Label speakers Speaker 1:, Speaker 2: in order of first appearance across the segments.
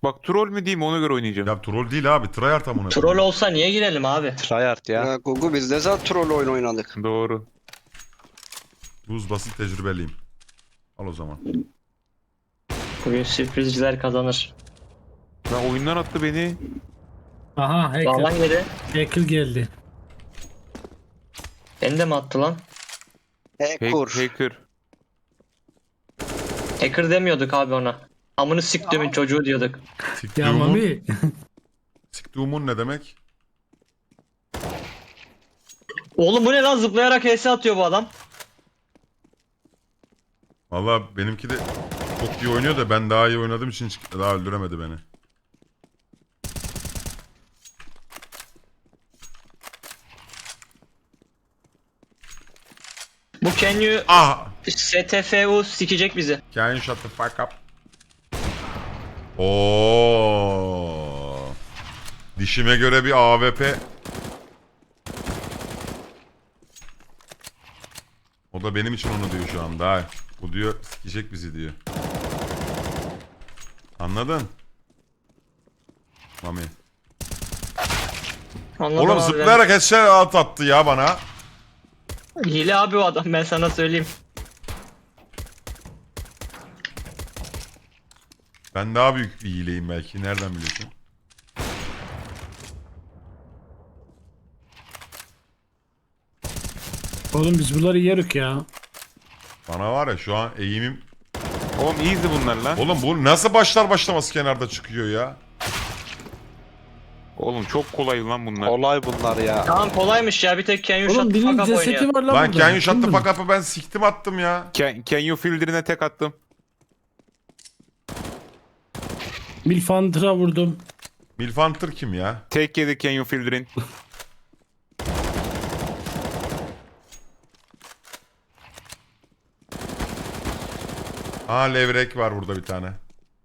Speaker 1: Bak troll mü diyeyim, ona göre oynayacağım.
Speaker 2: Ya troll değil abi. Tryhard amına.
Speaker 3: Troll olsa niye girelim abi?
Speaker 4: Tryhard ya.
Speaker 5: Ya Gugu biz de zaten troll oyun oynadık.
Speaker 1: Doğru.
Speaker 2: Buz basit tecrübeliyim. Al o zaman.
Speaker 3: Bugün sürprizciler kazanır.
Speaker 1: Lan oyundan attı beni.
Speaker 6: Aha hacker.
Speaker 3: Dağlan geri.
Speaker 6: Hacker geldi.
Speaker 3: Beni de mi attı lan?
Speaker 1: Hacker.
Speaker 3: Hacker demiyorduk abi ona. Amını siktiğimin çocuğu diyorduk.
Speaker 6: Ya
Speaker 2: Siktiğumun.
Speaker 6: Mami.
Speaker 2: Siktiğumun ne demek?
Speaker 3: Oğlum bu ne lan, zıplayarak HS atıyor bu adam.
Speaker 2: Valla benimki de çok iyi oynuyor da ben daha iyi oynadığım için daha öldüremedi beni.
Speaker 3: Bu Kenyu
Speaker 2: Ah!
Speaker 3: STFU sikecek bizi.
Speaker 2: Can you shut the fuck up? Oo. Dişime göre bir AWP. O da benim için onu diyor şu anda. Bu diyor sikecek bizi diyor. Anladın? Mami.
Speaker 3: Anladım
Speaker 2: Oğlum
Speaker 3: abi.
Speaker 2: zıplayarak headshot attı ya bana.
Speaker 3: Hile abi o adam, ben sana söyleyeyim.
Speaker 2: Ben daha büyük bir hileyim belki. Nereden biliyorsun?
Speaker 6: Oğlum biz bunları yerük ya.
Speaker 2: Bana var ya şu an eğimim...
Speaker 1: Oğlum easy bunlar lan.
Speaker 2: Oğlum bu nasıl başlar başlamaz kenarda çıkıyor ya?
Speaker 1: Oğlum çok kolay lan bunlar.
Speaker 4: Olay bunlar ya.
Speaker 3: Tamam kolaymış ya, bir tek Kenyu
Speaker 6: Oğlum
Speaker 3: shot
Speaker 6: birinin
Speaker 3: fuck up
Speaker 6: cesedi
Speaker 3: oynuyor.
Speaker 6: var lan
Speaker 2: Lan
Speaker 6: burada.
Speaker 2: can you shut the
Speaker 6: Bilmiyorum.
Speaker 2: fuck up'ı ben siktim attım ya.
Speaker 1: Can you filter'ine tek attım.
Speaker 6: Milfantra vurdum.
Speaker 2: Milfanter kim ya?
Speaker 1: Tek yedi can you filter'in.
Speaker 2: Ha levrek var burada bir tane.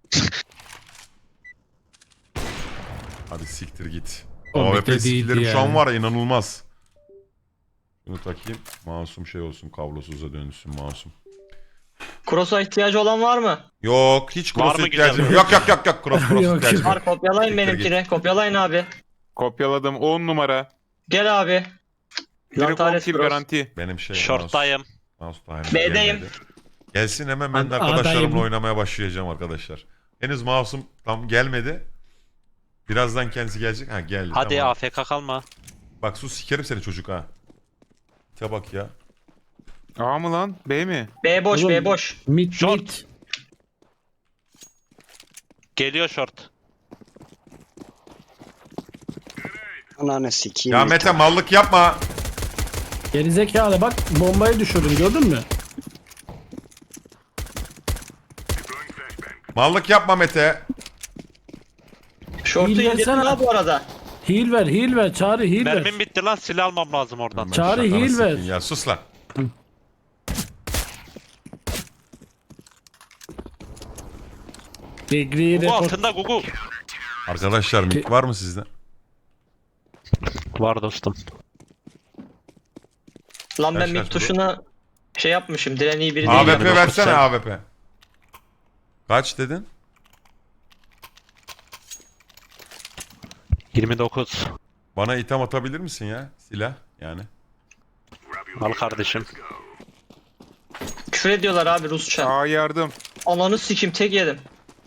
Speaker 2: Hadi siktir git.
Speaker 6: O
Speaker 2: AWP
Speaker 6: bekle değildi
Speaker 2: skillerim şu an
Speaker 6: yani.
Speaker 2: var ya inanılmaz. Şunu takayım. Masum şey olsun, kablosuza dönüşsün masum.
Speaker 3: Cross'a ihtiyacı olan var mı?
Speaker 2: Yok hiç
Speaker 4: Var
Speaker 2: cross
Speaker 4: mı
Speaker 2: ihtiyacım
Speaker 4: güzel?
Speaker 2: yok. Yok cross
Speaker 6: Yok,
Speaker 2: ihtiyacım yok.
Speaker 3: Var, kopyalayın
Speaker 2: Siktir
Speaker 3: benimkini. Kopyalayın abi.
Speaker 1: Kopyaladım 10 numara.
Speaker 3: Gel abi.
Speaker 1: Direkt 10
Speaker 3: Lantares
Speaker 1: kill
Speaker 3: Cross.
Speaker 1: garanti.
Speaker 2: Benim şey
Speaker 4: Short'tayım.
Speaker 2: mouse time
Speaker 3: B'deyim.
Speaker 2: gelmedi. Gelsin hemen ben de
Speaker 6: Adayım.
Speaker 2: arkadaşlarımla oynamaya başlayacağım arkadaşlar. Henüz mouse'um tam gelmedi. Birazdan kendisi gelecek. Ha geldi.
Speaker 4: Hadi
Speaker 2: tamam.
Speaker 4: AFK kalma.
Speaker 2: Bak sus sikerim seni çocuk ha. Ya bak ya.
Speaker 1: A mı lan? B mi?
Speaker 3: B boş,
Speaker 6: Oğlum,
Speaker 3: B boş.
Speaker 6: Mid
Speaker 4: Short.
Speaker 6: mid.
Speaker 4: Geliyor short.
Speaker 5: Ananı sikeyim.
Speaker 2: Ya Mete mallık yapma.
Speaker 6: Gerizekalı bak bombayı düşürdün gördün mü?
Speaker 2: Mallık yapma Mete.
Speaker 3: Şortu
Speaker 6: İyi
Speaker 3: indirdim
Speaker 6: gelsene.
Speaker 3: ha bu arada.
Speaker 6: Heal ver Çağrı heal ver.
Speaker 4: Mermim bitti lan, silah almam lazım oradan.
Speaker 2: Ben
Speaker 6: Çağrı
Speaker 2: şakanı
Speaker 6: heal ver.
Speaker 2: sikeyim Ya sus lan.
Speaker 6: Degri'yi
Speaker 4: Gugu
Speaker 6: report.
Speaker 4: altında Gugu.
Speaker 2: Arkadaşlar mik var mı sizde?
Speaker 4: Var dostum.
Speaker 3: Lan ben
Speaker 2: Kaç
Speaker 3: mid
Speaker 2: kaç
Speaker 3: tuşuna şey yapmışım. Diren iyi biri değil.
Speaker 2: AWP
Speaker 4: yani,
Speaker 2: versene
Speaker 4: sen.
Speaker 2: AWP. Kaç dedin?
Speaker 4: 29.
Speaker 2: Bana item atabilir misin ya? Silah yani.
Speaker 4: Al kardeşim.
Speaker 3: Küfür ediyorlar abi Rusça.
Speaker 1: A yardım.
Speaker 3: Ananı sikim, tek yedim.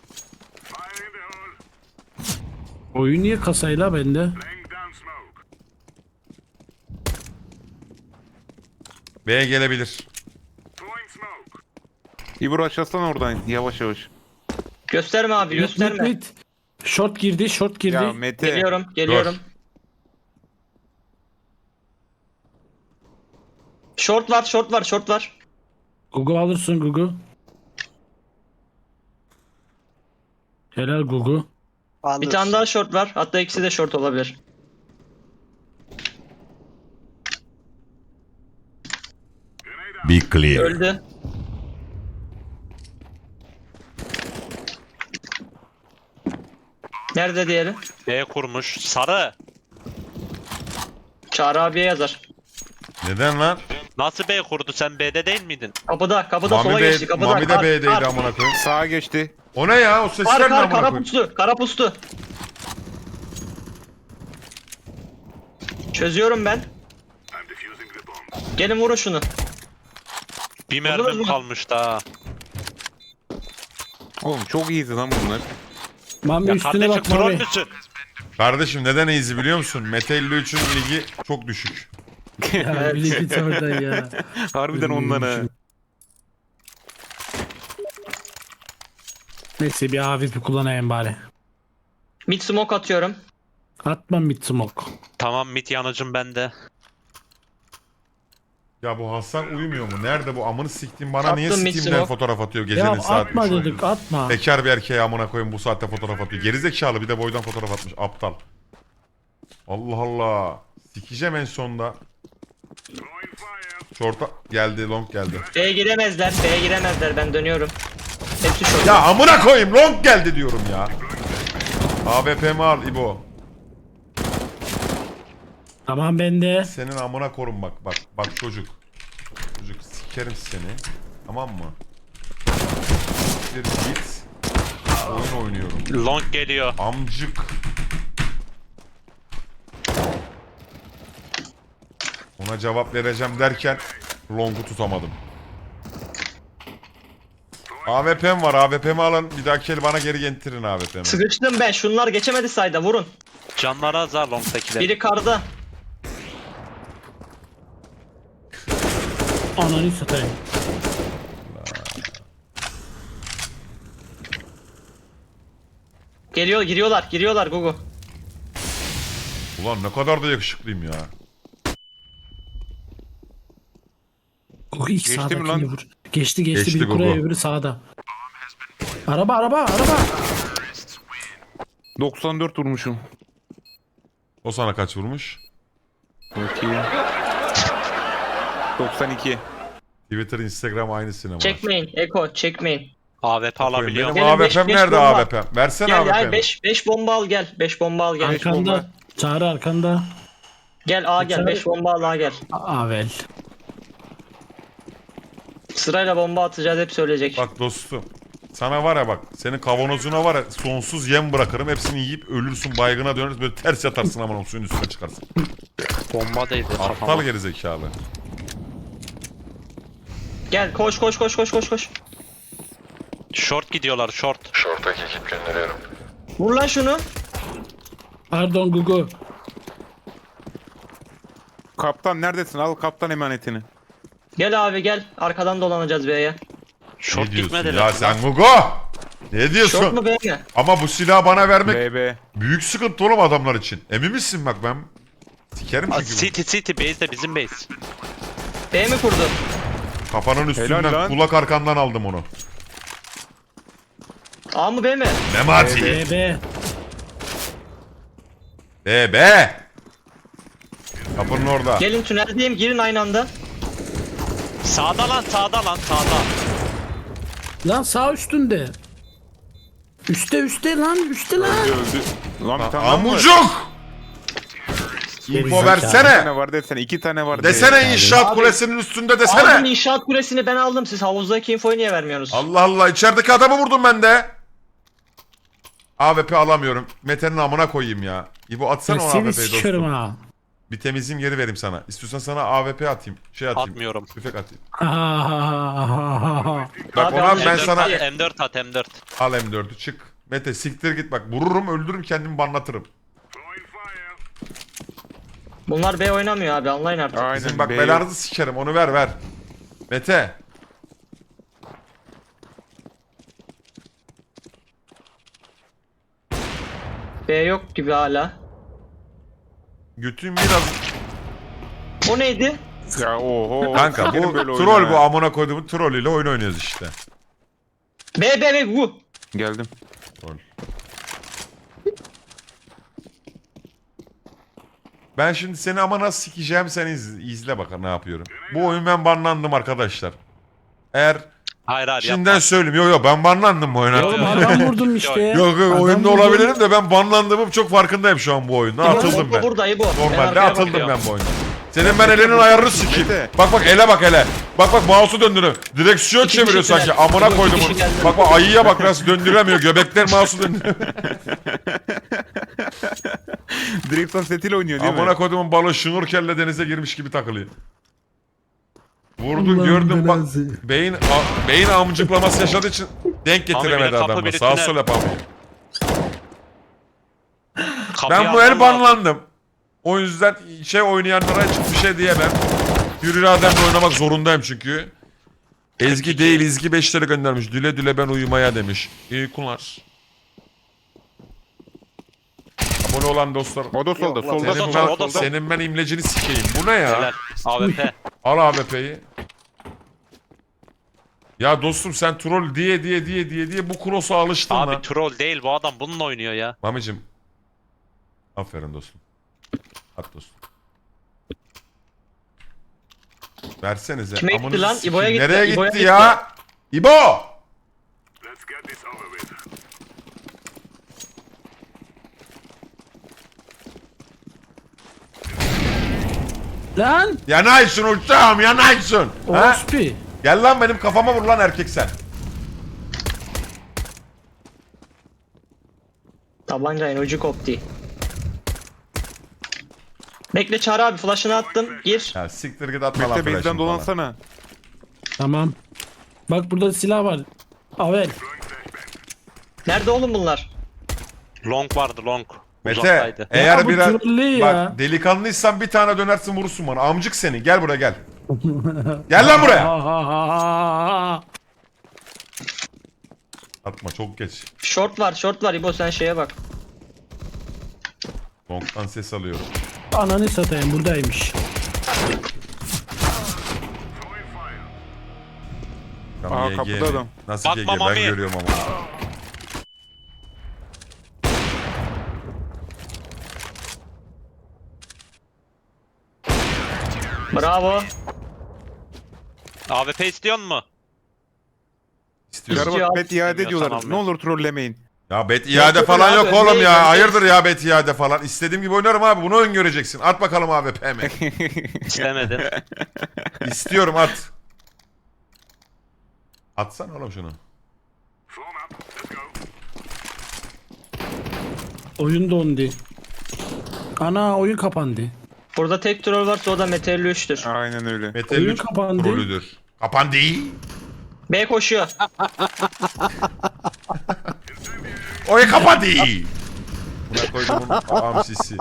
Speaker 6: Oyun niye kasayla bende?
Speaker 2: B'ye gelebilir.
Speaker 1: İbro açılsana oradan yavaş yavaş.
Speaker 3: Gösterme abi, gösterme.
Speaker 6: Mid. Short girdi short girdi.
Speaker 1: Ya Mete.
Speaker 3: Geliyorum, geliyorum. Short var, short var, short var.
Speaker 6: Gugu alırsın Gugu. Helal Gugu.
Speaker 3: Bir tane daha short var. Hatta ikisi de short olabilir.
Speaker 2: Be clear.
Speaker 3: Öldü. Nerede diğeri?
Speaker 4: B kurmuş. Sarı.
Speaker 3: Çağrı abiye yazar.
Speaker 2: Neden lan?
Speaker 4: Nasıl B kurdu? Sen B'de değil miydin?
Speaker 3: Kapıda, kapıda
Speaker 2: Mami
Speaker 3: sola
Speaker 2: B,
Speaker 3: geçti. Kapıda.
Speaker 2: Mami de
Speaker 3: Kar,
Speaker 2: B'deydi
Speaker 3: kar.
Speaker 2: amına koyayım.
Speaker 1: Sağa geçti.
Speaker 2: O ne ya? O sesler ne amına
Speaker 3: Kara
Speaker 2: koyayım?
Speaker 3: puslu. Kara puslu. Çözüyorum ben. Gelin vurun şunu.
Speaker 4: Bir
Speaker 3: Buldunuz
Speaker 4: mermim
Speaker 3: mu?
Speaker 4: kalmış daha.
Speaker 1: Oğlum çok iyiydi lan bunlar.
Speaker 6: Mami
Speaker 4: Ya
Speaker 6: üstüne
Speaker 4: kardeşim
Speaker 6: bak
Speaker 4: troll
Speaker 6: Mami.
Speaker 4: müsün?
Speaker 2: Kardeşim neden easy biliyor musun? Mete 53'ün ligi çok düşük.
Speaker 6: Ya bir de git oradan ya.
Speaker 1: Harbiden ondan ha.
Speaker 6: Neyse bir AWP kullanayım bari.
Speaker 3: Mid smoke atıyorum.
Speaker 6: Atma mid smoke.
Speaker 4: Tamam mid yanıcım bende.
Speaker 2: Ya bu Hasan uyumuyor mu? Nerede bu amını siktiğim bana niye
Speaker 3: Attım
Speaker 2: Steam'den
Speaker 3: Mitsumo.
Speaker 2: fotoğraf atıyor
Speaker 6: Ya
Speaker 2: gecenin saat
Speaker 6: atma
Speaker 2: 3'ü?
Speaker 6: dedik atma.
Speaker 2: Bekar bir erkeğe amına koyayım bu saatte fotoğraf atıyor. Gerizekalı bir de boydan fotoğraf atmış aptal. Allah Allah. Sikeceğim en sonda. Short'a geldi, long geldi.
Speaker 3: B'ye giremezler. B'ye giremezler. Ben dönüyorum. Hepsi şort.
Speaker 2: Ya amına koyayım long geldi diyorum ya. AWP'mi al İbo.
Speaker 6: Tamam bende.
Speaker 2: Senin amına korun bak bak bak çocuk. Çocuk sikerim seni. Tamam mı? Bir git. Oyun oynuyorum.
Speaker 4: Long geliyor.
Speaker 2: Amcık. Ona cevap vereceğim derken long'u tutamadım. AWP'm var. AWP'mi alın. Bir dahaki el bana geri getirin AWP'mi.
Speaker 3: Sıkıştım ben. Şunlar geçemedi sayda. Vurun.
Speaker 4: Canları azar long'dakiler.
Speaker 3: Biri karda.
Speaker 6: Ananı satayım.
Speaker 3: Giriyorlar Gugu.
Speaker 2: Ulan ne kadar da yakışıklıyım ya.
Speaker 6: Gugu ilk
Speaker 1: Geçti mi
Speaker 6: sağdakini
Speaker 1: lan?
Speaker 6: vur. Geçti
Speaker 2: Geçti
Speaker 6: biri kuraya
Speaker 2: Gugu.
Speaker 6: öbürü sağda. Araba.
Speaker 1: 94 vurmuşum.
Speaker 2: O sana kaç vurmuş?
Speaker 1: Bakayım. 92.
Speaker 2: Twitter, Instagram aynı sinema.
Speaker 3: Çekmeyin. Eko çekmeyin.
Speaker 4: AWP alabiliyorum.
Speaker 2: Benim
Speaker 3: Gelin, beş
Speaker 2: AWP'm nerede
Speaker 3: bomba.
Speaker 2: AWP'm? Versene
Speaker 3: Gel
Speaker 2: AWP'mi.
Speaker 3: 5 bomba al gel. 5 bomba al gel.
Speaker 1: Ay. bomba.
Speaker 6: Arkanda. Çağrı arkanda.
Speaker 3: Gel A gel. 5 bomba al A gel.
Speaker 6: Avel.
Speaker 3: Sırayla bomba atacağız hep söyleyecek.
Speaker 2: Bak dostum. Sana var ya bak. Senin kavanozuna var ya sonsuz yem bırakırım. Hepsini yiyip ölürsün baygına döneriz. Böyle ters yatarsın aman suyun üstüne çıkarsın.
Speaker 4: Bomba değdi
Speaker 2: Aptal
Speaker 4: kafama.
Speaker 2: gerizekalı.
Speaker 3: Gel koş.
Speaker 4: Short gidiyorlar short.
Speaker 3: Vur lan şunu.
Speaker 6: Pardon Gugu.
Speaker 1: Kaptan neredesin? Al kaptan emanetini.
Speaker 3: Gel abi gel. Arkadan dolanacağız B'ye.
Speaker 4: Short
Speaker 2: Ne diyorsun
Speaker 4: gitmediler.
Speaker 2: ya sen Gugu? Ne diyorsun?
Speaker 3: Short mu B mi?
Speaker 2: Ama bu silahı bana vermek
Speaker 1: BB.
Speaker 2: büyük sıkıntı oğlum adamlar için. Emin misin bak ben sikerim
Speaker 4: Aa,
Speaker 2: çünkü.
Speaker 4: City base de bizim base.
Speaker 3: B mi kurdu?
Speaker 2: Kafanın üstünden
Speaker 1: lan.
Speaker 2: kulak arkandan aldım onu.
Speaker 3: A mı B mi?
Speaker 2: Memati.
Speaker 6: BB.
Speaker 2: Be. Kapının orada.
Speaker 3: Gelin tüneldeyim girin aynı anda.
Speaker 4: Sağda lan sağda.
Speaker 6: Lan sağ üstünde. Üste lan.
Speaker 1: Öldü. Lan bir tane daha mı var?
Speaker 2: Amucuk. İnfo
Speaker 6: Gerizekalı.
Speaker 1: Bir
Speaker 2: versene.
Speaker 1: tane var desene. 2 tane var.
Speaker 2: Desene inşaat
Speaker 3: Abi.
Speaker 2: kulesinin üstünde
Speaker 3: Aldım
Speaker 2: desene.
Speaker 3: inşaat kulesini ben aldım. Siz havuzdaki infoyu niye vermiyorsunuz?
Speaker 2: Allah Allah içerideki adamı vurdum ben de. AWP alamıyorum. Mete'nin amına koyayım ya. İbo atsana o
Speaker 6: Seni
Speaker 2: AWP'yi
Speaker 6: sikerim
Speaker 2: dostum.
Speaker 6: ha.
Speaker 2: Bir temizleyeyim geri vereyim sana. İstiyorsan sana AWP atayım. Şey atayım.
Speaker 4: Atmıyorum.
Speaker 2: Tüfek atayım.
Speaker 6: Ha.
Speaker 2: Bak
Speaker 3: Abi
Speaker 2: ona
Speaker 3: al,
Speaker 2: ben
Speaker 3: M4
Speaker 2: sana...
Speaker 3: at.
Speaker 4: M4 at M4.
Speaker 2: Al M4'ü çık. Mete siktir git bak. Vururum öldürürüm kendimi banlatırım.
Speaker 3: Bunlar B oynamıyor abi anlayın artık.
Speaker 1: Aynen.
Speaker 2: Bizim bak
Speaker 1: B
Speaker 2: belanızı sikerim onu ver. Mete.
Speaker 3: B yok gibi hala.
Speaker 2: Götün biraz...
Speaker 3: O neydi?
Speaker 1: Ya oho.
Speaker 2: Kanka
Speaker 1: Sikerim
Speaker 2: bu
Speaker 1: böyle
Speaker 2: troll
Speaker 1: oyunu
Speaker 2: bu
Speaker 1: ha.
Speaker 2: amına koyduğumun trollüyle oyun oynuyoruz işte.
Speaker 3: B bu.
Speaker 1: Geldim.
Speaker 2: Troll. Ben şimdi seni ama nasıl sikeceğim sen izle bakalım ne yapıyorum. Bu oyun ben banlandım arkadaşlar. Eğer
Speaker 4: Hayır
Speaker 2: şimdiden söyleyeyim. Yok ben banlandım bu oyuna.
Speaker 6: Oğlum adam vurdum işte.
Speaker 2: Yok
Speaker 6: Adam
Speaker 2: oyunda
Speaker 6: vurdum.
Speaker 2: olabilirim de ben banlandığımım çok farkındayım şu an bu oyunda. Atıldım ben.
Speaker 3: Burada bu.
Speaker 2: Normalde atıldım ben bu oyundan. Senin ben elinin ayarını sikeyim.
Speaker 1: Mete.
Speaker 2: Bak bak ele bak hele. Bak bak mouse'u döndürüyor. Direksiyon
Speaker 3: İki
Speaker 2: çeviriyor
Speaker 3: kişi
Speaker 2: sanki.
Speaker 3: geldi.
Speaker 2: Amına
Speaker 3: İki
Speaker 2: koydum
Speaker 3: kişi
Speaker 2: onu.
Speaker 3: geldi.
Speaker 2: Bak bak ayıya bak nasıl döndüremiyor. Göbekler mouse'u döndürüyor.
Speaker 1: Direksiyon setiyle oynuyor değil
Speaker 2: Amına
Speaker 1: mi?
Speaker 2: koyduğumun balığı şnurkelle denize girmiş gibi takılıyor. Vurdun
Speaker 6: Allah'ın
Speaker 2: gördün bak.
Speaker 6: belası.
Speaker 2: Beyin amcıklaması yaşadığı için denk getiremedi
Speaker 4: biri kapı,
Speaker 2: adamla.
Speaker 4: biri
Speaker 2: Sağ
Speaker 4: tünel.
Speaker 2: sol yapamıyor.
Speaker 4: Kapıyı
Speaker 2: Ben bu
Speaker 4: almam
Speaker 2: el
Speaker 4: lazım.
Speaker 2: banlandım. O yüzden oynayanlara hiçbir şey diyemem. Hür irademle oynamak zorundayım çünkü. Ezgi değil İzgi 5'leri göndermiş. Düle düle ben uyumaya demiş. İyi kullar. Abone olan dostlar.
Speaker 1: O da solda.
Speaker 5: Yok lan,
Speaker 1: Solda
Speaker 2: Senin
Speaker 4: solda,
Speaker 1: solda.
Speaker 2: ben,
Speaker 4: o da solda.
Speaker 2: senin ben imlecini sikeyim. Bu ne ya?
Speaker 4: Helal. AWP.
Speaker 2: Al AWP'yi. Ya dostum sen troll diye bu cross'a alıştın lan.
Speaker 4: Abi troll değil bu adam bununla oynuyor ya.
Speaker 2: Mamicim. Aferin dostum. At dostum. Versenize.
Speaker 3: Kime gitti
Speaker 2: Amanızı
Speaker 3: lan?
Speaker 2: sikeyim.
Speaker 3: İbo'ya gitti,
Speaker 2: Nereye
Speaker 3: İbo'ya
Speaker 2: gitti
Speaker 3: gitti.
Speaker 2: ya? İbo!
Speaker 6: Lan!
Speaker 2: Yanaysın uçağım yanaysın. Ha?
Speaker 6: Orospi.
Speaker 2: Gel lan benim kafama vur lan erkek sen.
Speaker 3: Tabancayın ucu koptu. Bekle Çağrı abi flash'ını attım. Gir.
Speaker 2: Ya siktir git atma lan
Speaker 1: Mete
Speaker 2: flash'ını
Speaker 1: base'den
Speaker 2: falan.
Speaker 1: dolansana.
Speaker 6: Tamam. Bak burada silah var. Avel.
Speaker 3: Nerede oğlum bunlar?
Speaker 4: Long vardı long.
Speaker 2: Mete
Speaker 4: Uzaktaydı.
Speaker 2: eğer
Speaker 6: Ya bu
Speaker 2: biraz
Speaker 6: trollü ya.
Speaker 2: bak delikanlıysan bir tane dönersin vurursun bana. Amcık seni gel buraya gel. Gel lan buraya.
Speaker 6: Ha ha ha ha.
Speaker 2: Atma çok geç.
Speaker 3: Short var İbo sen şeye bak.
Speaker 2: Long'dan ses alıyorum.
Speaker 6: Ananı satayım buradaymış.
Speaker 2: Tamam,
Speaker 1: Aa,
Speaker 2: GG
Speaker 1: kapıda
Speaker 2: mi?
Speaker 1: adam.
Speaker 2: Nasıl
Speaker 4: Bakma
Speaker 2: GG ben
Speaker 4: Mami.
Speaker 2: görüyorum ama.
Speaker 3: Bravo.
Speaker 4: AWP istiyor mu?
Speaker 2: İstiyorum.
Speaker 1: Yarı
Speaker 3: İstiyor.
Speaker 1: bak bet iade ediyorlar.
Speaker 4: Sanmıyorum.
Speaker 1: Ne olur trollemeyin.
Speaker 2: Ya bet iade
Speaker 3: Yok,
Speaker 2: falan
Speaker 3: abi,
Speaker 2: yok oğlum
Speaker 3: öndeyiz,
Speaker 2: ya.
Speaker 3: öndeyiz.
Speaker 2: Hayırdır ya bet iade falan. İstediğim gibi oynarım abi. Bunu öngöreceksin. At bakalım abi PM.
Speaker 4: İstemedim.
Speaker 2: İstiyorum at. Atsana oğlum şunu.
Speaker 6: Oyun dondu. Ana oyun kapandı.
Speaker 3: Burada tek troll varsa o da Meteor 3'tür.
Speaker 1: Aynen öyle.
Speaker 2: Mete
Speaker 6: Oyun
Speaker 2: 3
Speaker 6: kapandı.
Speaker 2: rolüdür. Kapandı.
Speaker 3: B koşuyor.
Speaker 2: Oyun kapandı. Buna koydum ağam sisi.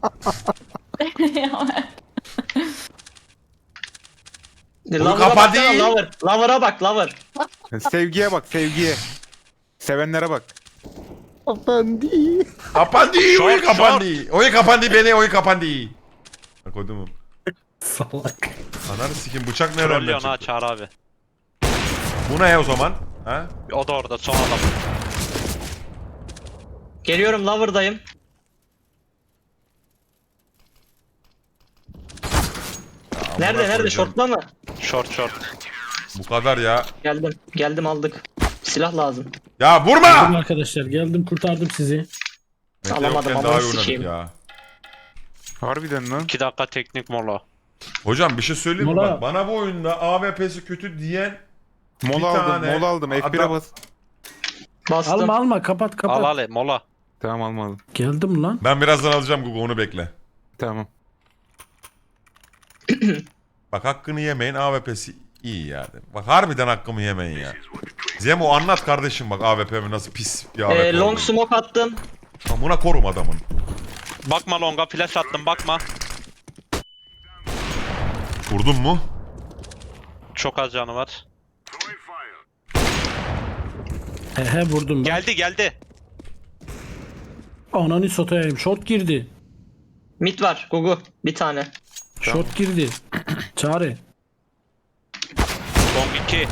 Speaker 3: Lover'a
Speaker 2: kapadı.
Speaker 3: baksana, Lover. Lover'a bak Lover.
Speaker 1: Sevgiye bak sevgiye. Sevenlere bak.
Speaker 2: Kapandı.
Speaker 4: Short,
Speaker 2: Oyun kapandı. Oyun kapandı beni oyun kapandı. Bak koydum.
Speaker 6: Salak.
Speaker 2: Ananı sikim bıçak nereden
Speaker 4: Trollüyorsun ha
Speaker 2: çıktı?
Speaker 4: Çağrı abi.
Speaker 2: Bu ne o zaman? Ha?
Speaker 4: O da orada son adam.
Speaker 3: Geliyorum Lover'dayım. Nerede
Speaker 2: koyacağım.
Speaker 3: Short'la mı?
Speaker 4: Short short.
Speaker 2: Bu kadar ya.
Speaker 3: Geldim aldık. Silah lazım.
Speaker 2: Ya
Speaker 6: Geldim
Speaker 2: vurma!
Speaker 6: arkadaşlar geldim kurtardım sizi.
Speaker 2: Mete
Speaker 3: Alamadım,
Speaker 2: yokken
Speaker 3: ama
Speaker 2: daha iyi
Speaker 3: sikeyim.
Speaker 2: oynadık ya.
Speaker 1: Harbiden lan.
Speaker 4: 2 dakika teknik mola.
Speaker 2: Hocam bir şey söyleyeyim mi?
Speaker 6: Mola.
Speaker 2: Bak, bana bu oyunda AWP'si kötü diyen
Speaker 1: Mola
Speaker 2: Bir
Speaker 1: aldım.
Speaker 2: tane
Speaker 1: Mola aldım. F1'e
Speaker 2: adam-
Speaker 1: bas.
Speaker 3: Bastım.
Speaker 6: Alma kapat kapat.
Speaker 4: Al al mola.
Speaker 1: Tamam almadım.
Speaker 6: Geldim lan.
Speaker 2: ben birazdan alacağım Google onu bekle.
Speaker 1: Tamam.
Speaker 2: Bak hakkını yemeyin AWP'si iyi yani. Bak harbiden hakkımı yemeyin ya. Zemo anlat kardeşim bak AWP'mi nasıl pis bir AWP
Speaker 3: Long
Speaker 2: olduğunu.
Speaker 3: smoke attım.
Speaker 2: Amına korum adamın.
Speaker 4: Bakma longa flash attım bakma.
Speaker 2: Vurdun mu?
Speaker 4: Çok az canı var.
Speaker 6: He vurdum.
Speaker 4: Geldi.
Speaker 6: Ananı satayım. Short girdi.
Speaker 3: Mid var Gugu. Bir tane.
Speaker 6: Short girdi. Çağrı.
Speaker 4: Long 2.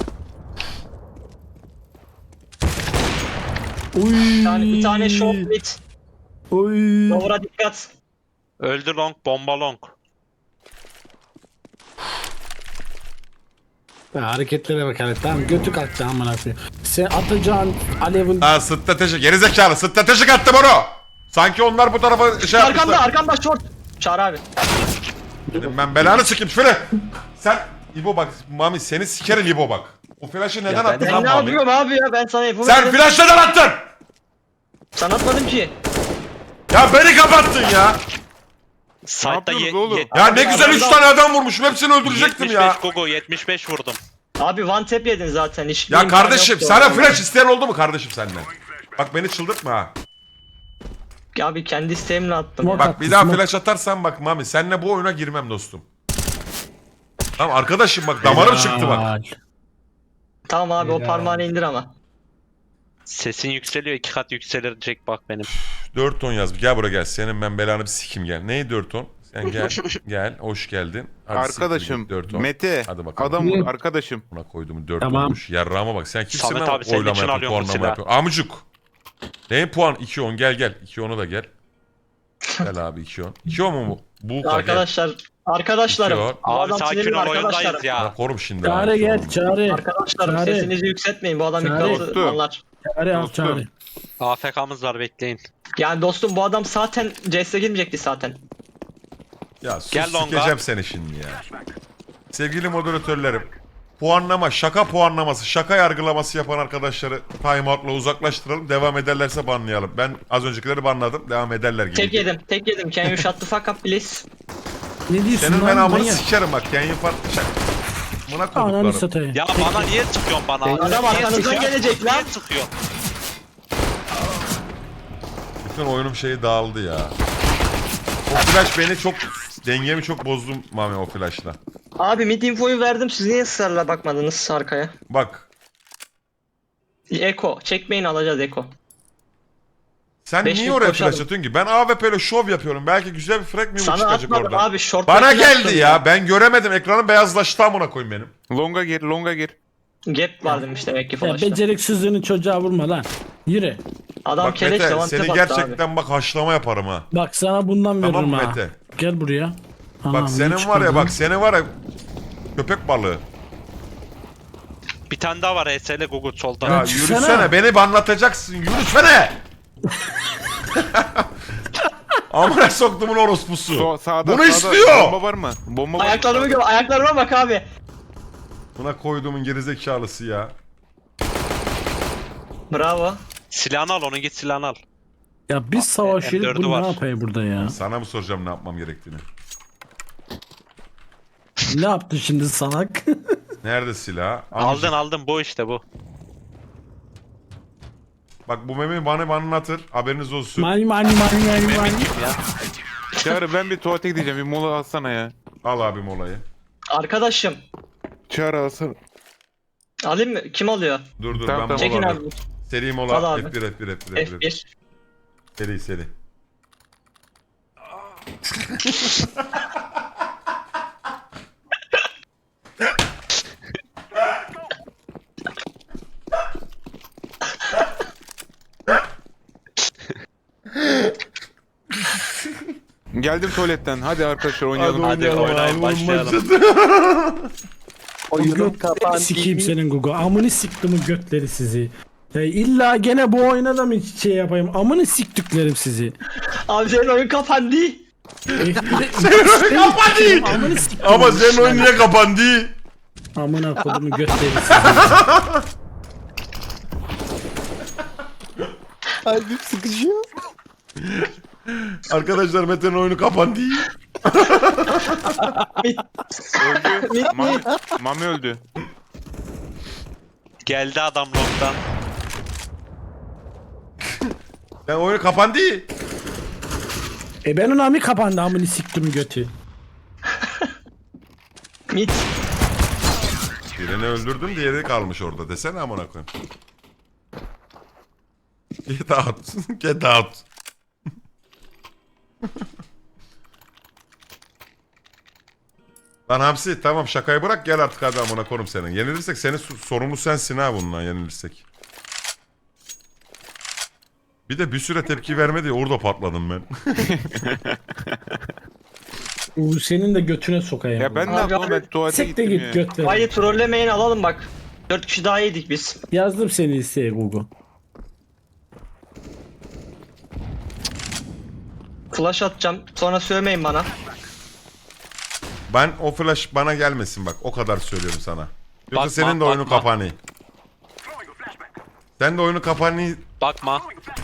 Speaker 6: Uy.
Speaker 3: Bir tane short mid.
Speaker 6: Uy.
Speaker 3: Lover'a dikkat.
Speaker 4: Öldü long bomba long.
Speaker 6: Ya hareketlere bak hele. Tamam götü kalktı amına koyayım. Sen atacağın alevin
Speaker 2: Ha strateji. Gerizekalı stratejik attım onu. Sanki onlar bu tarafa şey yapmışlar.
Speaker 3: Arkamda short. Çağrı abi.
Speaker 2: Dedim ben belanı sikeyim şöyle. Sen İbo bak Mami seni sikerim İbo bak. O flash'ı neden attın
Speaker 3: Ben
Speaker 2: lan
Speaker 3: ne
Speaker 2: Mami?
Speaker 3: yapıyorum abi ya? Ben sana yapımı
Speaker 2: Sen flash neden attın?
Speaker 3: Sana atmadım ki.
Speaker 2: Ya beni kapattın ya.
Speaker 4: Site'da
Speaker 1: yapıyorsunuz oğlum?
Speaker 2: Ya ne güzel 3 tane adam vurmuşum hepsini öldürecektim
Speaker 4: 75
Speaker 2: ya.
Speaker 4: Gogo 75 vurdum.
Speaker 3: Abi one tap yedin zaten. Hiç
Speaker 2: Ya
Speaker 3: imkanı
Speaker 2: kardeşim
Speaker 3: yoktu
Speaker 2: sana
Speaker 3: orada.
Speaker 2: flash isteyen oldu mu kardeşim senden? Bak beni çıldırtma ha.
Speaker 3: Abi kendi isteğimle attım. ya.
Speaker 2: Bak bir daha flash atarsan bak Mami seninle bu oyuna girmem dostum. Tamam arkadaşım bak damarım çıktı bak.
Speaker 6: Helal.
Speaker 3: Tamam abi o parmağını indir ama.
Speaker 4: Sesin yükseliyor 2 kat yükselecek bak benim.
Speaker 2: 4 ton yaz. Gel buraya gel. Senin ben belanı bir sikim gel. Neyi 4 ton? Sen gel. Gel. Hoş geldin. Hadi siktir
Speaker 1: Arkadaşım
Speaker 2: git 4 ton.
Speaker 1: Mete.
Speaker 2: Hadi bakalım.
Speaker 1: Adam vur arkadaşım.
Speaker 2: Buna koyduğum 4
Speaker 6: Tamam.
Speaker 2: olmuş. Yarrağıma bak. Sen kimsin
Speaker 4: Samet
Speaker 2: lan
Speaker 4: abi, senin
Speaker 2: oylama
Speaker 4: için
Speaker 2: yapıp
Speaker 4: alıyorum bu
Speaker 2: puanlama
Speaker 4: silahı.
Speaker 2: yapıyor. Amucuk. Ne puan? 2-10 gel gel. 2-10'u da gel. Gel abi 2-10. 2-10 mu bu? Bu
Speaker 3: Arkadaşlarım.
Speaker 2: İki
Speaker 3: Bu
Speaker 4: Abi
Speaker 3: adam
Speaker 4: sakin
Speaker 3: sinirli
Speaker 4: ol oyundayız
Speaker 3: arkadaşlarım.
Speaker 4: ya.
Speaker 2: Korum şimdi.
Speaker 6: Çağrı
Speaker 2: abi.
Speaker 6: gel çağrı.
Speaker 3: Arkadaşlarım
Speaker 6: Çağrı.
Speaker 3: sesinizi yükseltmeyin. Bu adam
Speaker 6: Çağrı.
Speaker 3: iddialı anlar.
Speaker 6: Çağrı al
Speaker 1: Dostum.
Speaker 6: çağrı.
Speaker 4: AFK'mız var bekleyin.
Speaker 3: Yani dostum bu adam zaten CS'e girmeyecekti zaten.
Speaker 2: Ya sus
Speaker 4: Gel longa.
Speaker 2: sikeceğim seni şimdi ya. Sevgili moderatörlerim. Puanlama, şaka puanlaması, şaka yargılaması yapan arkadaşları timeout'la uzaklaştıralım. Devam ederlerse banlayalım. Ben az öncekileri banladım. Devam ederler gibi.
Speaker 3: Tek yedim. Can you shut the fuck up please?
Speaker 6: Ne diyorsun
Speaker 2: Senin
Speaker 6: lan?
Speaker 2: ben amını
Speaker 6: manyak?
Speaker 2: sikerim bak. Kenyin farklı şak. Buna
Speaker 6: Ananı
Speaker 2: koduklarım.
Speaker 6: satayım.
Speaker 4: Ya bana niye çıkıyorsun bana?
Speaker 3: Adam
Speaker 4: Niye
Speaker 3: arkanızdan
Speaker 4: çıkıyorsun?
Speaker 3: gelecek lan.
Speaker 4: Niye çıkıyor?
Speaker 2: Bütün oyunum şeyi dağıldı ya. O flash beni çok... Dengemi çok bozdum Mami o flashla.
Speaker 3: Abi mid infoyu verdim. Siz niye ısrarla bakmadınız arkaya?
Speaker 2: Bak.
Speaker 3: Eko. Çekmeyin alacağız Eko.
Speaker 2: Sen
Speaker 3: Beş
Speaker 2: niye
Speaker 3: bin
Speaker 2: oraya
Speaker 3: koşalım.
Speaker 2: flash atıyorsun ki? Ben AWP ile şov yapıyorum. Belki güzel bir frag mi
Speaker 3: Sana
Speaker 2: çıkacak
Speaker 3: atmadım
Speaker 2: oradan.
Speaker 3: abi. Short
Speaker 2: Bana
Speaker 3: back'ini
Speaker 2: geldi
Speaker 3: attım
Speaker 2: ya. Ben göremedim. Ekranın beyazlaştı amına koyayım benim.
Speaker 1: Longa gir, longa gir.
Speaker 3: Gap var demiş demek ki
Speaker 6: Ya
Speaker 3: flash'ta.
Speaker 6: beceriksizliğini çocuğa vurma lan. Yürü.
Speaker 3: Adam
Speaker 2: Bak
Speaker 3: keleş
Speaker 2: Mete
Speaker 3: one
Speaker 2: seni
Speaker 3: tap attı abi.
Speaker 2: gerçekten bak haşlama yaparım ha.
Speaker 6: Bak sana bundan
Speaker 2: Tamam
Speaker 6: veririm
Speaker 2: mı
Speaker 6: ha.
Speaker 2: Mete?
Speaker 6: Gel buraya. Anam,
Speaker 2: Bak
Speaker 6: ne
Speaker 2: senin var
Speaker 6: çıkardın?
Speaker 2: ya bak seni var ya köpek balığı.
Speaker 4: Bir tane daha var ESL Gogo solda.
Speaker 2: Ya
Speaker 6: çıksana.
Speaker 2: yürüsene beni banlatacaksın yürüsene. Amına soktumun orospusu.
Speaker 1: Sağda,
Speaker 2: Bunu
Speaker 1: sağda.
Speaker 2: istiyor.
Speaker 1: Bomba var mı? Bomba var mı?
Speaker 3: Ayaklarımı gör. Ayaklarıma bak abi.
Speaker 2: Buna koyduğumun gerizekalısı ya.
Speaker 3: Bravo.
Speaker 4: Silahını al onun git silahını al.
Speaker 6: Ya biz savaşıyoruz
Speaker 4: M4'ü
Speaker 6: bu
Speaker 4: var.
Speaker 6: ne yapıyor burada ya?
Speaker 2: Sana mı soracağım ne yapmam gerektiğini?
Speaker 6: Ne yaptı şimdi salak?
Speaker 2: Nerede silah? Amcık.
Speaker 4: Aldın bu işte bu.
Speaker 2: Bak bu memi bana anlatır. Haberiniz olsun.
Speaker 6: mani.
Speaker 1: Çağrı ben bir tuvalete gideceğim. Bir mola alsana ya.
Speaker 2: Al abim olayı.
Speaker 3: Arkadaşım.
Speaker 1: Çağrı alsana.
Speaker 3: Alayım mı? Kim alıyor?
Speaker 2: Dur
Speaker 1: Tamam,
Speaker 2: ben
Speaker 3: Çekin
Speaker 2: mola
Speaker 3: abi.
Speaker 2: alayım. Seri mola.
Speaker 3: Al abi.
Speaker 2: F1.
Speaker 3: F1.
Speaker 2: Seri.
Speaker 1: Geldim tuvaletten. Hadi arkadaşlar oynayalım.
Speaker 4: Hadi oynayın başlayalım.
Speaker 5: Oyunun
Speaker 6: Sikeyim senin Gugu. Amını siktimin götleri sizi. Ya illa gene bu oyuna da mı şey yapayım? Amını siktiklerim sizi.
Speaker 3: Abi senin oyun kapandı.
Speaker 6: Kapadı. Amını siktim.
Speaker 2: Ama senin oyun niye kapandı?
Speaker 6: Amına kodumun götleri sizi.
Speaker 5: Kalbim sıkışıyor.
Speaker 2: Arkadaşlar Mete'nin oyunu kapandı.
Speaker 1: Öldü. Mami öldü.
Speaker 4: Geldi adam long'dan.
Speaker 2: Ben oyunu kapandı.
Speaker 6: Benim ami kapandı amını siktim götü.
Speaker 3: Mid.
Speaker 2: Birini öldürdüm diğeri kalmış orada desene amına koyayım. Get out. Get out. Lan Hamsi tamam şakayı bırak gel artık hadi amına korum senin. Yenilirsek senin sorumlu sensin ha bundan yenilirsek. Bir de bir süre tepki vermedi ya orada patladım ben.
Speaker 6: Senin de götüne sokayım.
Speaker 1: Ya ben ne
Speaker 3: Abi,
Speaker 1: yapayım? Ben tuvalete
Speaker 6: Sek de
Speaker 1: gittim ya.
Speaker 6: git götleri.
Speaker 3: Hayır trollemeyin alalım bak. 4 kişi daha yedik biz.
Speaker 6: Yazdım seni listeye Gugu.
Speaker 3: Flash atacağım. Sonra sövmeyin bana.
Speaker 2: Ben o flash bana gelmesin bak. O kadar söylüyorum sana. Yoksa
Speaker 4: Bakma,
Speaker 2: senin de oyunu
Speaker 4: bakma.
Speaker 2: kapanı. Sen de oyunu kapanı.
Speaker 4: Bakma.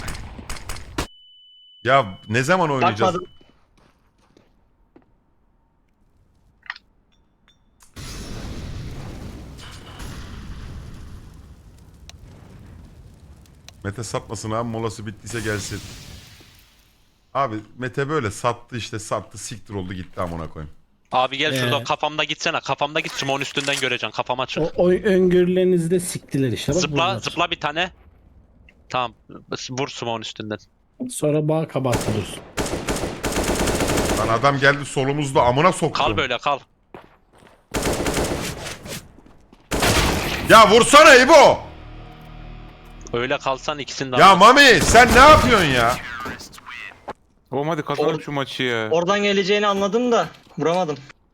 Speaker 2: Ya ne zaman oynayacağız?
Speaker 3: Bakmadım.
Speaker 2: Mete satmasın abi, molası bittiyse gelsin. Abi Mete böyle sattı işte, sattı siktir oldu gitti amına koyayım.
Speaker 4: Abi gel şurada
Speaker 6: Ee.
Speaker 4: kafamda gitsene. Kafamda git Smoke'un üstünden göreceksin. Kafama çık.
Speaker 6: O öngörülerinizi de siktiler işte. Bak
Speaker 4: Zıpla
Speaker 6: bunlar.
Speaker 4: zıpla bir tane. Tamam. Vur Smoke'un üstünden.
Speaker 6: Sonra bağ kabartılır.
Speaker 2: Lan adam geldi solumuzda amına soktum.
Speaker 4: Kal böyle kal.
Speaker 2: Ya vursana İbo!
Speaker 4: Öyle kalsan ikisini de
Speaker 2: Ya
Speaker 4: alırız.
Speaker 2: Mami sen ne yapıyorsun ya?
Speaker 1: Oğlum hadi kazanalım şu maçı ya.
Speaker 3: Oradan geleceğini anladım da vuramadım.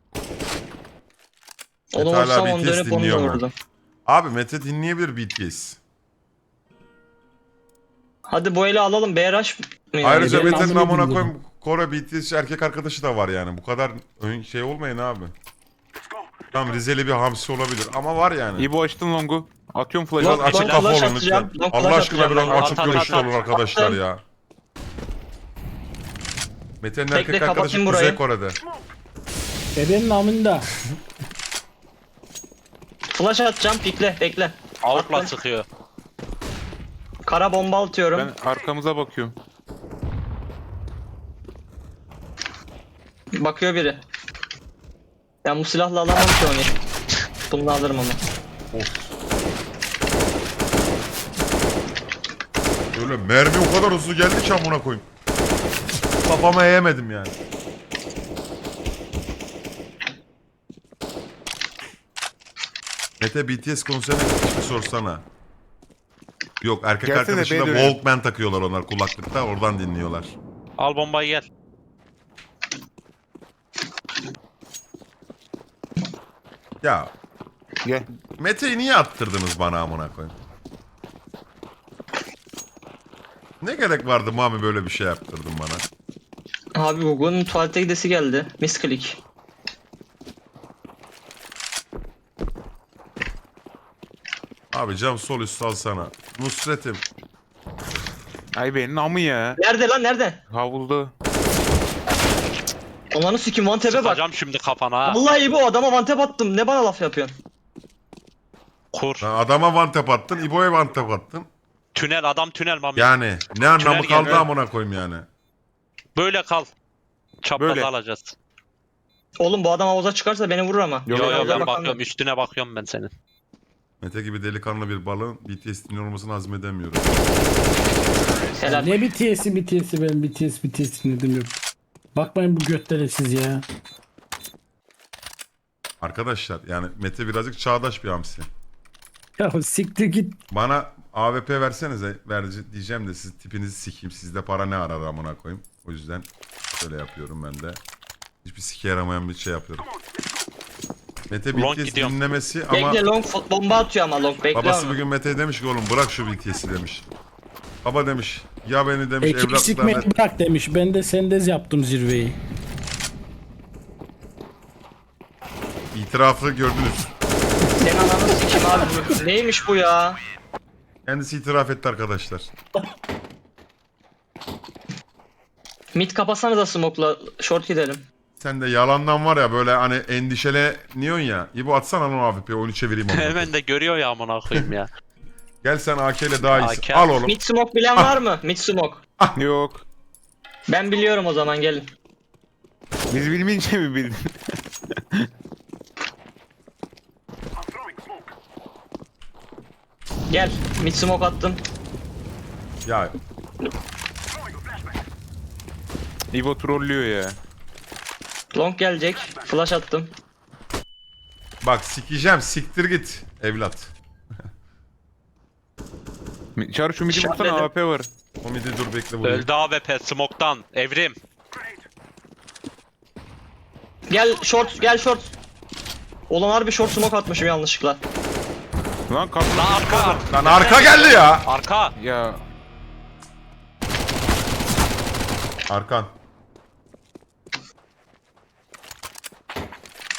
Speaker 3: Onu
Speaker 2: hala
Speaker 3: vursam onu
Speaker 2: BTS
Speaker 3: dönüp onu da
Speaker 2: dinliyor mu?
Speaker 3: vurdum.
Speaker 2: Abi Mete dinleyebilir BTS.
Speaker 3: Hadi bu eli alalım. BRH mı?
Speaker 2: Ayrıca
Speaker 6: benim
Speaker 2: Mete'nin
Speaker 6: amına
Speaker 2: amına
Speaker 6: dinledim.
Speaker 2: koyayım Kore BTS erkek arkadaşı da var yani. Bu kadar şey olmayın abi. Tamam Rizeli bir hamsi olabilir ama var yani.
Speaker 1: İbo açtın longu. Atıyorum
Speaker 2: Biraz
Speaker 1: flash'ı.
Speaker 3: Long-
Speaker 2: açık
Speaker 3: long
Speaker 2: kafa
Speaker 3: flash
Speaker 2: olun
Speaker 3: atacağım,
Speaker 2: lütfen.
Speaker 3: long
Speaker 2: Allah
Speaker 3: flash
Speaker 2: aşkına
Speaker 3: atacağım
Speaker 2: biraz
Speaker 3: ben.
Speaker 2: açık
Speaker 4: At, at,
Speaker 2: görüşlü
Speaker 4: at,
Speaker 2: olun
Speaker 4: at.
Speaker 2: arkadaşlar
Speaker 3: Attım.
Speaker 2: ya. Mete'nin
Speaker 3: Bekle,
Speaker 2: erkek arkadaşı
Speaker 3: kapatayım
Speaker 2: Kuzey
Speaker 3: burayı.
Speaker 2: Kore'de.
Speaker 6: Ebenin amında.
Speaker 3: Flash atacağım. Pikle. Bekle.
Speaker 4: Avukla
Speaker 3: Attım.
Speaker 4: sıkıyor.
Speaker 3: Kara bomba atıyorum.
Speaker 1: Ben arkamıza bakıyorum.
Speaker 3: Bakıyor biri. Ben bu silahla alamam ki onu. Bunu alırım ama.
Speaker 2: Of. Öyle mermi o kadar hızlı geldi ki amına koyayım. Kafama eğemedim yani. Mete BTS konserine gitmiş mi sorsana. Yok erkek
Speaker 1: Gelsene,
Speaker 2: arkadaşıyla
Speaker 1: beni de öyle.
Speaker 2: Walkman takıyorlar onlar kulaklıkta oradan dinliyorlar.
Speaker 4: Al bombayı gel.
Speaker 2: Ya
Speaker 1: Gel.
Speaker 2: Mete'yi niye attırdınız bana amına koyayım? Ne gerek vardı Mami böyle bir şey yaptırdın bana?
Speaker 3: Abi Google'un tuvalete gidesi geldi. Misclick.
Speaker 2: Abi cam sol üstü alsana. Nusret'im.
Speaker 1: Ay benim amı ya.
Speaker 3: Nerede lan nerede?
Speaker 1: Havulda.
Speaker 3: Onların sikim one tap'e bak.
Speaker 4: Sıkacağım şimdi kafana ha.
Speaker 3: Vallahi iyi bu adama one tap attım. Ne bana laf yapıyorsun?
Speaker 4: Kur.
Speaker 2: Sen adama one tap attın, İbo'ya one tap attın.
Speaker 4: Tünel adam tünel mami.
Speaker 2: Yani ne anlamı
Speaker 4: Tünel
Speaker 2: kaldı
Speaker 4: geldi.
Speaker 2: amına koyayım yani.
Speaker 4: Böyle kal. Çaprazı
Speaker 1: Böyle.
Speaker 4: alacağız.
Speaker 3: Oğlum bu adam havuza çıkarsa beni vurur ama.
Speaker 1: Yok,
Speaker 4: Yo yo
Speaker 3: Havuza
Speaker 4: ben
Speaker 3: bakan
Speaker 4: bakıyorum.
Speaker 3: yok.
Speaker 4: Üstüne bakıyorum ben senin.
Speaker 2: Mete gibi delikanlı bir balığın BTS dinliyor olmasını hazmedemiyorum.
Speaker 3: Helal.
Speaker 6: Ne BTS'i ben BTS dinledim yok. Bakmayın bu götlere siz ya.
Speaker 2: Arkadaşlar yani Mete birazcık çağdaş bir hamsi.
Speaker 6: Ya siktir git.
Speaker 2: Bana AWP versenize diyeceğim de siz tipinizi sikeyim. Sizde para ne arar amına koyayım. O yüzden şöyle yapıyorum ben de. Hiçbir sike yaramayan bir şey yapıyorum. Mete
Speaker 4: Long
Speaker 2: BTS
Speaker 4: gidiyorum.
Speaker 2: dinlemesi ama
Speaker 3: Bekle long bomba atıyor ama long bekle
Speaker 2: babası
Speaker 3: onu.
Speaker 2: bugün Mete'ye demiş ki oğlum bırak şu BTS'i demiş. Baba demiş ya beni demiş
Speaker 6: Ekip sikmeyi
Speaker 2: evlatlarına...
Speaker 6: bırak demiş. Ben de sendez yaptım zirveyi.
Speaker 2: İtirafı gördünüz.
Speaker 3: Senin ananı sikim abi. Bu- Neymiş bu ya?
Speaker 2: Kendisi itiraf etti arkadaşlar.
Speaker 3: Mid kapasana da smoke'la short gidelim.
Speaker 2: Sen de yalandan var ya böyle hani endişeleniyorsun ya. İbo atsana onu AWP'ye oyunu çevireyim onu.
Speaker 4: Hemen de görüyor ya amına koyayım ya.
Speaker 2: Gel sen AK ile daha iyisin.
Speaker 4: AK.
Speaker 2: Al oğlum.
Speaker 3: Mid smoke bilen var mı? Mid smoke.
Speaker 1: Yok.
Speaker 3: Ben biliyorum o zaman gelin.
Speaker 1: Biz bilmeyince mi bildin?
Speaker 3: Gel. Mid smoke attım.
Speaker 2: Ya
Speaker 1: İbo trollüyor ya.
Speaker 3: Long gelecek. Flash attım.
Speaker 2: bak sikeceğim siktir git evlat.
Speaker 1: Çağrı şu midi vursana
Speaker 3: İşaretledim.
Speaker 1: AP var.
Speaker 2: O midi dur bekle vurayım.
Speaker 4: Öldü AWP smoke'tan. Evrim.
Speaker 3: Gel short gel short. Ulan harbi short smoke atmışım yanlışlıkla.
Speaker 1: Lan kapı.
Speaker 4: Lan arka.
Speaker 2: Lan arka geldi ya.
Speaker 4: Arka.
Speaker 1: Ya.
Speaker 2: Arkan.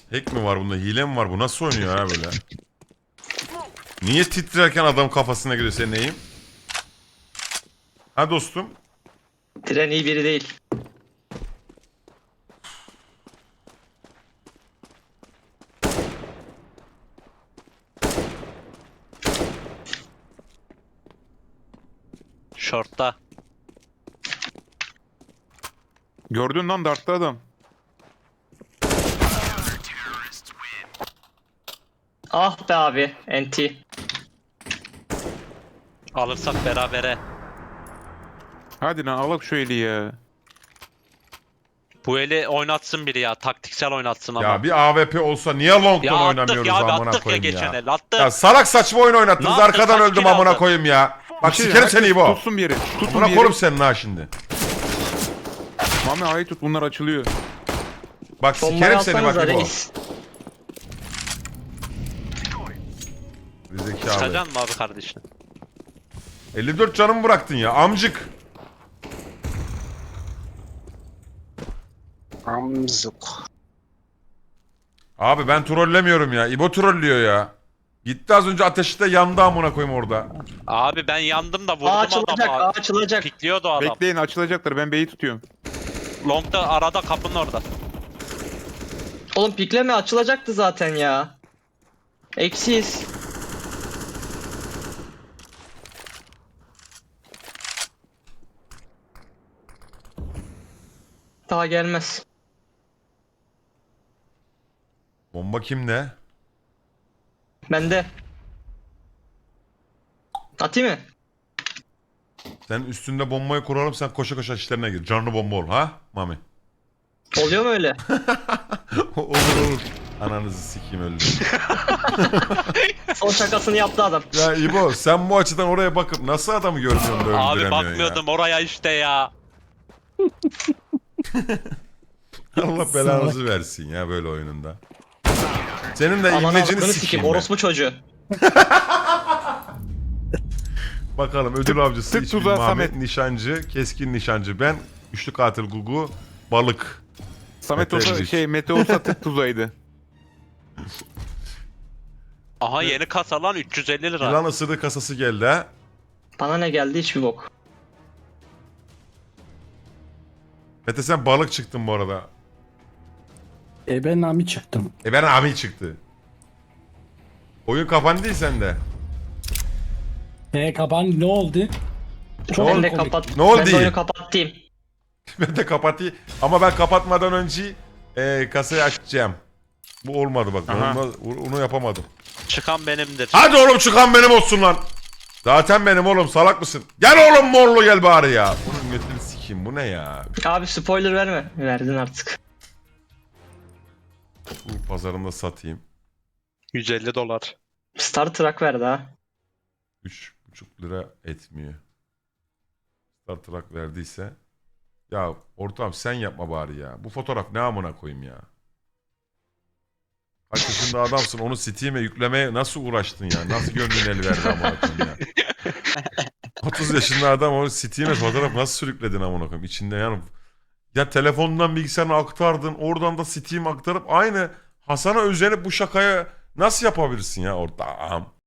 Speaker 2: Hack mi var bunda? Hile mi var? Bu nasıl oynuyor ha böyle? Niye titrerken adam kafasına giriyor senin neyim? Ha dostum.
Speaker 3: Tren iyi biri değil.
Speaker 4: Short'ta.
Speaker 1: Gördün lan dartta adam.
Speaker 3: Ah be abi. NT.
Speaker 4: Alırsak berabere.
Speaker 1: Hadi lan alak şu eli ya.
Speaker 4: Bu eli oynatsın biri ya. Taktiksel oynatsın ama.
Speaker 2: Ya bir AWP olsa niye long'dan
Speaker 4: Ya attık
Speaker 2: oynamıyoruz
Speaker 4: ya abi,
Speaker 2: amına
Speaker 4: attık ya
Speaker 2: koyayım
Speaker 4: geçen
Speaker 2: ya.
Speaker 4: el. Attık.
Speaker 2: Ya salak saçma oyun oynattınız.
Speaker 4: Ne yaptın?
Speaker 2: Arkadan
Speaker 4: Kaç
Speaker 2: öldüm
Speaker 4: kill
Speaker 2: amına
Speaker 4: aldın?
Speaker 2: koyayım ya. Bak
Speaker 1: Bir şey,
Speaker 2: sikerim seni
Speaker 1: herkes
Speaker 2: İbo.
Speaker 1: Tutsun bir yeri. Tutun
Speaker 2: Amına
Speaker 1: bir
Speaker 2: korum
Speaker 1: yeri.
Speaker 2: senin ha şimdi.
Speaker 1: Mami ayı tut bunlar açılıyor.
Speaker 2: Bak
Speaker 3: Bombayı
Speaker 2: sikerim seni
Speaker 3: alsanıza
Speaker 2: bak İbo.
Speaker 3: reis.
Speaker 2: Zekalı.
Speaker 4: Sıkacaksın mı abi kardeşine?
Speaker 2: 54 canımı bıraktın ya amcık.
Speaker 5: Amzuk.
Speaker 2: Abi ben trollemiyorum ya. İbo trollüyor ya. Gitti az önce ateşte yandı amına koyayım orada.
Speaker 4: Abi ben yandım da vurdum
Speaker 3: A açılacak,
Speaker 4: adamı.
Speaker 3: A açılacak.
Speaker 4: Pikliyordu adam.
Speaker 1: Bekleyin açılacaklar ben B'yi tutuyorum.
Speaker 4: Long'da arada kapının orada.
Speaker 3: Oğlum pikleme açılacaktı zaten ya. Eksiyiz. Daha gelmez.
Speaker 2: Bomba kimde?
Speaker 3: Bende. Atayım mı?
Speaker 2: Sen üstünde bombayı kuralım sen koşa koşa işlerine gir. Canlı bomba ol ha Mami.
Speaker 3: Oluyor mu öyle?
Speaker 2: Olur olur. Ananızı sikeyim öldüm.
Speaker 3: Son şakasını yaptı adam.
Speaker 2: Ya İbo sen bu açıdan oraya bakıp nasıl adamı görmüyorsun da
Speaker 4: Abi
Speaker 2: öldüremiyorsun
Speaker 4: bakmıyordum oraya işte ya.
Speaker 2: ya. Allah belanızı versin ya böyle oyununda. Senin de
Speaker 3: Ananı
Speaker 2: imlecini
Speaker 3: avradını
Speaker 2: sikeyim.
Speaker 3: sikeyim.
Speaker 2: ben.
Speaker 3: Orospu çocuğu.
Speaker 2: Bakalım ödül avcısı
Speaker 1: tık
Speaker 2: ismi
Speaker 1: tuzağı
Speaker 2: Muhammed
Speaker 1: Samet.
Speaker 2: Nişancı, keskin nişancı ben, üçlü katil Gugu, balık.
Speaker 1: Samet
Speaker 2: Mete
Speaker 1: olsa
Speaker 2: Ermiş.
Speaker 1: Mete olsa tık tuzaydı.
Speaker 4: Aha yeni kasa lan 350 lira.
Speaker 2: Yılan ısırığı kasası geldi ha.
Speaker 3: Bana ne geldi hiçbir bok.
Speaker 2: Mete sen balık çıktın bu arada.
Speaker 6: Ben Nami çıktım.
Speaker 2: Ben Ami çıktı. Oyun kapandı değil sende.
Speaker 6: Kapan ne oldu? Çok
Speaker 3: Ben de
Speaker 6: komik.
Speaker 3: kapat.
Speaker 2: Ne oldu
Speaker 3: Ben de
Speaker 2: iyi?
Speaker 3: oyunu kapattım.
Speaker 2: Ben de kapatayım. Ama ben kapatmadan önce kasayı açacağım. Bu olmadı bak. Ben
Speaker 1: Aha.
Speaker 2: onu yapamadım.
Speaker 4: Çıkan benimdir.
Speaker 2: Hadi oğlum çıkan benim olsun lan. Zaten benim oğlum salak mısın? Gel oğlum morlu gel bari ya. Bunun götünü sikeyim bu ne ya?
Speaker 3: Abi spoiler verme. Verdin artık.
Speaker 2: Bu pazarında satayım.
Speaker 4: 150 dolar.
Speaker 3: Star Trek verdi ha.
Speaker 2: 3,5 lira etmiyor. Star Trek verdiyse. Ya ortağım sen yapma bari ya. Bu fotoğraf ne amına koyayım ya. Kaç yaşında adamsın onu Steam'e yüklemeye nasıl uğraştın ya? Nasıl gönlün el verdi amına koyayım ya. 30 yaşında adam onu Steam'e fotoğraf nasıl sürükledin amına koyayım. İçinde yani. Ya telefondan bilgisayarına aktardın. Oradan da Steam aktarıp aynı Hasan'a özenip bu şakaya nasıl yapabilirsin ya ortağım?